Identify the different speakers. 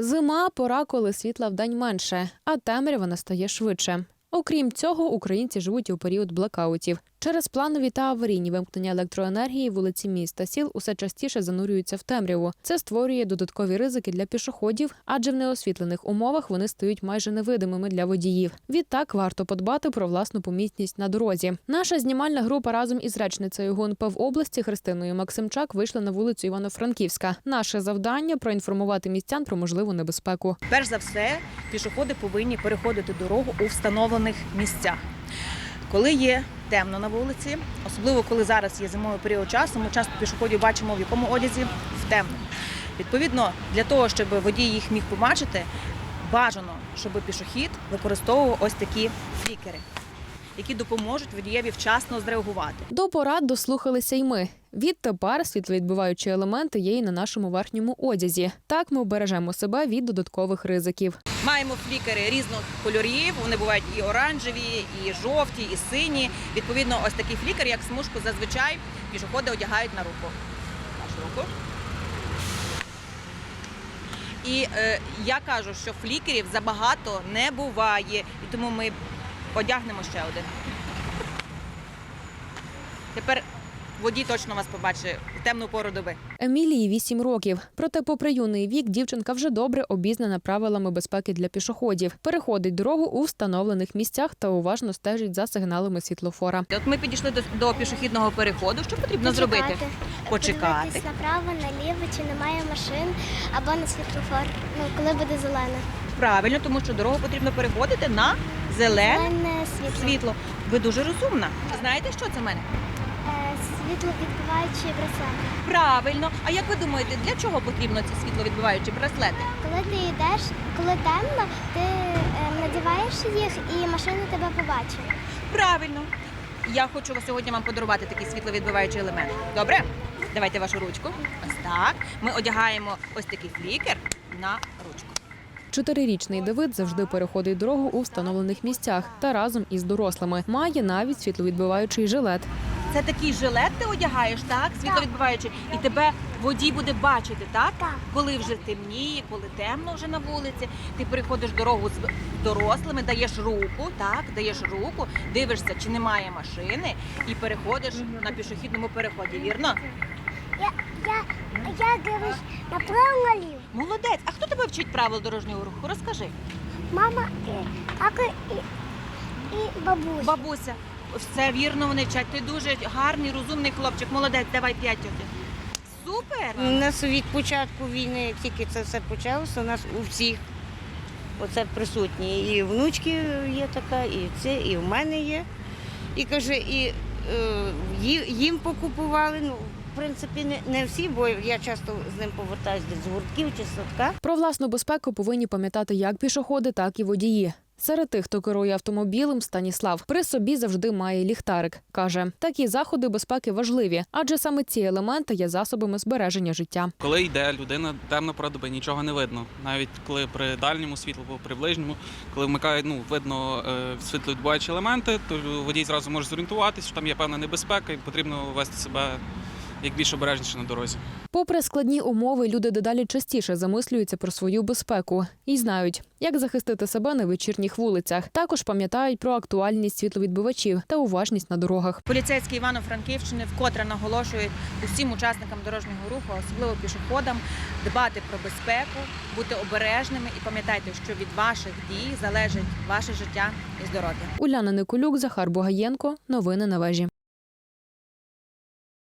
Speaker 1: Зима – пора, коли світла вдень менше, а темрява настає швидше. Окрім цього, українці живуть у період блекаутів. Через планові та аварійні вимкнення електроенергії вулиці міст та сіл усе частіше занурюються в темряву. Це створює додаткові ризики для пішоходів, адже в неосвітлених умовах вони стають майже невидимими для водіїв. Відтак варто подбати про власну помітність на дорозі. Наша знімальна група разом із речницею ГУНП в області Христиною Максимчак вийшла на вулицю Івано-Франківська. Наше завдання – проінформувати містян про можливу небезпеку.
Speaker 2: Перш за все, пішоходи повинні переходити дорогу у встановлених місцях. Коли є темно на вулиці, особливо коли зараз є зимовий період часу, ми часто пішоходів бачимо в якому одязі? В темному. Відповідно, для того, щоб водій їх міг побачити, бажано, щоб пішохід використовував ось такі флікери, які допоможуть водієві вчасно зреагувати.
Speaker 1: До порад дослухалися й ми. Відтепер світловідбиваючі елементи є і на нашому верхньому одязі. Так ми обережемо себе від додаткових ризиків.
Speaker 2: Маємо флікери різних кольорів, вони бувають і оранжеві, і жовті, і сині. Відповідно, ось такий флікер, як смужку, зазвичай пішоходи одягають на руку. Нашу руку. І я кажу, що флікерів забагато не буває, і тому ми одягнемо ще один. Тепер водій точно вас побачить в темну пору доби.
Speaker 1: Емілії 8 років. Проте, попри юний вік, дівчинка вже добре обізнана правилами безпеки для пішоходів. Переходить дорогу у встановлених місцях та уважно стежить за сигналами світлофора.
Speaker 2: От ми підійшли до пішохідного переходу. Що потрібно зробити? Почекати.
Speaker 3: Подивитись направо, наліво, чи немає машин, або на світлофор, коли буде зелене.
Speaker 2: Правильно, тому що дорогу потрібно переходити на зелене
Speaker 3: Зелене
Speaker 2: світло. Ви дуже розумна. Знаєте, що це в мене?
Speaker 3: Світловідбиваючі браслети.
Speaker 2: Правильно. А як ви думаєте, для чого потрібно ці світловідбиваючі браслети?
Speaker 3: Коли ти йдеш, коли темно, ти надіваєш їх і машина тебе побачить.
Speaker 2: Правильно. Я хочу сьогодні вам подарувати такий світловідбиваючий елемент. Добре? Давайте вашу ручку. Ось так. Ми одягаємо ось такий флікер на ручку.
Speaker 1: 4-річний Давид завжди переходить дорогу у встановлених місцях та разом із дорослими. Має навіть світловідбиваючий жилет.
Speaker 2: Це такий жилет ти одягаєш, так? Світловідбиваючий. І тебе водій буде бачити, так?
Speaker 3: Так.
Speaker 2: Коли вже темніє, коли темно вже на вулиці, ти переходиш дорогу з дорослими, даєш руку, так? Даєш руку, дивишся, чи немає машини, і переходиш на пішохідному переході, вірно?
Speaker 3: Я дивлюсь направо-наліво.
Speaker 2: Молодець. А хто тебе вчить правил дорожнього руху? Розкажи.
Speaker 3: Мама, тато і бабуся.
Speaker 2: Бабуся. Все вірно вони вчать. Ти дуже гарний, розумний хлопчик. Молодець, давай 5 тьоті. Супер!
Speaker 4: У нас від початку війни, як тільки це все почалося, у нас у всіх оце присутні. І внучки є така, і це, і в мене є. І каже, і їм покупували. Ну, в принципі, не всі, бо я часто з ним повертаюся з гуртків чи садка.
Speaker 1: Про власну безпеку повинні пам'ятати як пішоходи, так і водії. Серед тих, хто керує автомобілем, Станіслав при собі завжди має ліхтарик. Каже, такі заходи безпеки важливі, адже саме ці елементи є засобами збереження життя.
Speaker 5: Коли йде людина, темна пора доби, нічого не видно. Навіть коли при дальньому світлу, при ближньому, коли вмикають, видно світловідбиваючі елементи, то водій зразу може зорієнтуватися, що там є певна небезпека і потрібно вести себе як більш обережніше на дорозі.
Speaker 1: Попри складні умови, люди дедалі частіше замислюються про свою безпеку і знають, як захистити себе на вечірніх вулицях. Також пам'ятають про актуальність світловідбивачів та уважність на дорогах.
Speaker 2: Поліцейські Івано-Франківщини вкотре наголошують усім учасникам дорожнього руху, особливо пішоходам, дбати про безпеку, бути обережними і пам'ятайте, що від ваших дій залежить ваше життя і здоров'я.
Speaker 1: Уляна Николюк, Захар Бугаєнко. Новини на вежі.